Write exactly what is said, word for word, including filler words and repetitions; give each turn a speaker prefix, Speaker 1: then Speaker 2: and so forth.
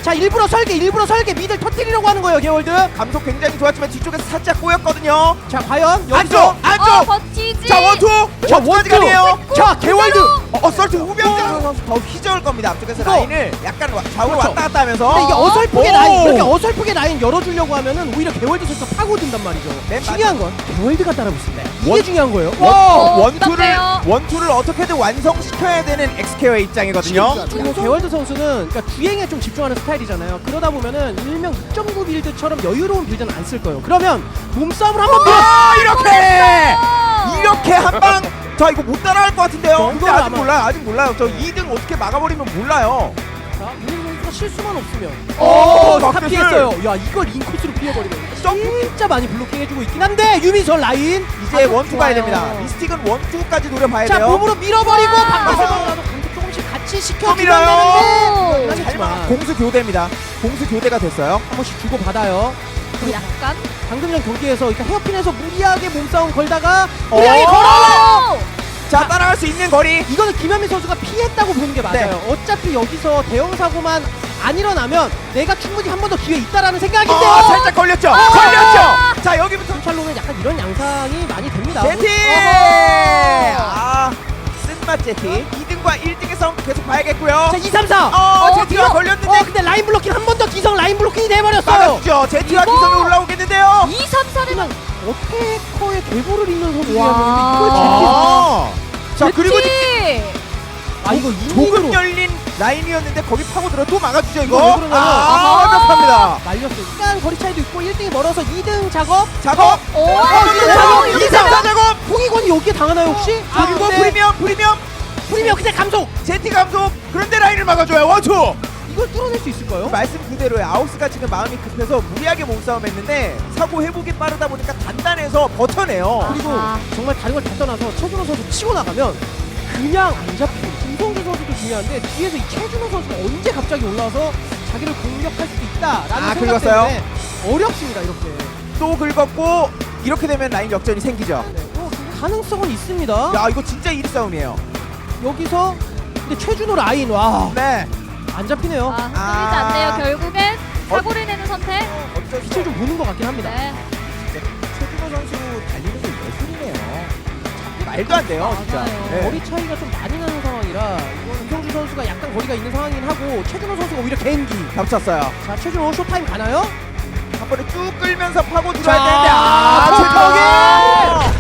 Speaker 1: 자 일부러 설계 일부러 설계 미들 터뜨리려고 하는 거예요 개월드.
Speaker 2: 감속 굉장히 좋았지만 뒤쪽에서 살짝 꼬였거든요.
Speaker 1: 자 과연 여기서
Speaker 2: 안쪽 안쪽.
Speaker 3: 어, 버티지.
Speaker 2: 자 원투.
Speaker 1: 자
Speaker 2: 원투까지
Speaker 1: 원투.
Speaker 2: 가네요.
Speaker 1: 자 개월드.
Speaker 2: 어, 어 썰트 후병장 선수 더 휘저을 겁니다. 앞쪽에서
Speaker 1: 이거.
Speaker 2: 라인을 약간 와- 좌우로
Speaker 1: 그렇죠.
Speaker 2: 왔다 갔다 하면서.
Speaker 1: 근데 이게 어설프게
Speaker 2: 오!
Speaker 1: 라인 이렇게 어설프게 라인 열어주려고 하면은 오히려 개월드 선수가 파고든단 말이죠.
Speaker 2: 맨
Speaker 1: 중요한 건 개월드가 따라오고 있습니다. 이게
Speaker 2: 원-
Speaker 1: 중요한 거예요.
Speaker 2: 원,
Speaker 3: 어,
Speaker 2: 원투를
Speaker 3: 부담돼요.
Speaker 2: 원투를 어떻게든 완성시켜야 되는 엑스케어의 입장이거든요.
Speaker 1: 그리고 개월드 선수는 그러니까 주행에 좀 집중하는 스타일이잖아요. 그러다 보면은 일명 이 점 구 빌드처럼 여유로운 빌드는 안 쓸 거예요. 그러면 몸싸움을 한번 밀어.
Speaker 2: 아 이렇게
Speaker 3: 어.
Speaker 2: 이렇게 한 방. 자 이거 못 따라할 것 같은데요.
Speaker 1: 어,
Speaker 2: 근데
Speaker 1: 그건
Speaker 2: 아직
Speaker 1: 아마-
Speaker 2: 몰라요. 아직 몰라요. 저 이 등 어떻게 막아버리면 몰라요.
Speaker 1: 자, 문희 선수가 실수만 없으면.
Speaker 2: 오,
Speaker 1: 다
Speaker 2: 박태슬.
Speaker 1: 피했어요. 야, 이걸 인코스로 피해버리면 진짜 많이 블로킹해주고 있긴 한데 유민선 라인
Speaker 2: 이제
Speaker 1: 아주
Speaker 2: 원투 가야
Speaker 1: 좋아요.
Speaker 2: 됩니다. 미스틱은 원투까지 노려봐야
Speaker 1: 자,
Speaker 2: 돼요.
Speaker 1: 몸으로 밀어버리고
Speaker 3: 아.
Speaker 1: 바깥에서라도 감속 조금씩 같이 시켜주면
Speaker 2: 밀어요.
Speaker 1: 되는데
Speaker 3: 오.
Speaker 2: 잘
Speaker 1: 하지만
Speaker 2: 막- 공수 교대입니다. 공수 교대가 됐어요.
Speaker 1: 한 번씩 주고 받아요.
Speaker 3: 그 약간.
Speaker 1: 방금 전 경기에서 그러니까 헤어핀에서 무리하게 몸싸움 걸다가
Speaker 2: 어.
Speaker 1: 무리하게 걸어요.
Speaker 3: 오.
Speaker 2: 자 따라갈 수 있는 거리.
Speaker 1: 이거는 김현민 선수가 피했다고 보는 게 맞아요.
Speaker 2: 네.
Speaker 1: 어차피 여기서 대형 사고만 안 일어나면 내가 충분히 한 번 더 기회 있다라는 생각인데요.
Speaker 2: 어, 살짝 걸렸죠. 걸렸죠. 자 여기부터
Speaker 1: 경찰로는 약간 이런 양상이 많이 됩니다.
Speaker 2: 제티.
Speaker 3: 어허.
Speaker 2: 아 쓴맛 제티. 이 등과 일 등의 싸움 계속 봐야겠고요.
Speaker 1: 자, 이, 삼, 사.
Speaker 2: 어,
Speaker 3: 어,
Speaker 2: 제티가
Speaker 3: 이거-
Speaker 2: 걸렸는데
Speaker 1: 어, 근데 라인 블로킹 한 번 더 기성 라인 블로킹이 돼버렸어요.
Speaker 2: 막아주죠. 제티와
Speaker 3: 이거-
Speaker 2: 기성이 올라오겠는데요.
Speaker 3: 이, 삼, 사는
Speaker 1: 그냥 어태커의 계보를 잇는 선수야.
Speaker 3: 와.
Speaker 1: 이걸 제티.
Speaker 2: 아. 자 그리고
Speaker 1: 아 이거
Speaker 2: 조금
Speaker 1: 이민으로
Speaker 2: 열린 라인이었는데 거기 파고 들어 또 막아주죠 이거.
Speaker 1: 이거 왜 그러냐면-
Speaker 2: 아
Speaker 3: 아하.
Speaker 2: 완벽합니다.
Speaker 1: 말렸어요. 약간 거리 차이도 있고 일 등이 멀어서 이 등 작업.
Speaker 2: 작업.
Speaker 3: 오.
Speaker 2: 어,
Speaker 1: 이 등
Speaker 2: 작업.
Speaker 1: 작업.
Speaker 2: 이 등 작업.
Speaker 1: 홍익원이 여기에 당하나요 혹시? 아,
Speaker 2: 그리고
Speaker 1: 근데
Speaker 2: 프리미엄 프리미엄
Speaker 1: 프리미엄 그냥 감속.
Speaker 2: 제티 감속. 그런데 라인을 막아줘요 원투.
Speaker 1: 이걸 뚫어낼 수 있을까요?
Speaker 2: 말씀 그대로예요. 아우스가 지금 마음이 급해서 무리하게 몸싸움했는데 사고 회복이 빠르다 보니까 단단해서 버텨내요.
Speaker 1: 그리고
Speaker 3: 아하.
Speaker 1: 정말 다른 걸 다 떠나서 최준호 선수 치고 나가면 그냥 안 잡히고 김성주 선수도 중요한데 뒤에서 이 최준호 선수가 언제 갑자기 올라와서 자기를 공격할 수도 있다라는
Speaker 2: 아,
Speaker 1: 생각
Speaker 2: 긁었어요?
Speaker 1: 때문에 어렵습니다 이렇게.
Speaker 2: 또 긁었고 이렇게 되면 라인 역전이 생기죠.
Speaker 1: 네, 또 가능성은 있습니다.
Speaker 2: 야 이거 진짜 일 싸움이에요.
Speaker 1: 여기서 근데 최준호 라인 와 안
Speaker 2: 네.
Speaker 1: 잡히네요.
Speaker 3: 아, 흔들리지
Speaker 2: 아.
Speaker 3: 않네요. 결국엔 사고를 내는 선택.
Speaker 2: 어쩔 수
Speaker 1: 빛을 좀 보는 것 같긴 합니다.
Speaker 3: 네.
Speaker 2: 진짜 최준호 선수 달리는 게 예술이네요. 말도 안 돼요 진짜.
Speaker 3: 맞아요.
Speaker 2: 네.
Speaker 1: 거리 차이가 좀 많이 나는 상황이라 이거는 김성주 선수가 약간 거리가 있는 상황이긴 하고 최준호 선수가 오히려 개인기.
Speaker 2: 겹쳤어요.
Speaker 1: 자 최준호 쇼타임 가나요?
Speaker 2: 한 번에 쭉 끌면서 파고 들어야
Speaker 1: 자,
Speaker 2: 되는데 아
Speaker 1: 아,
Speaker 2: 최준호.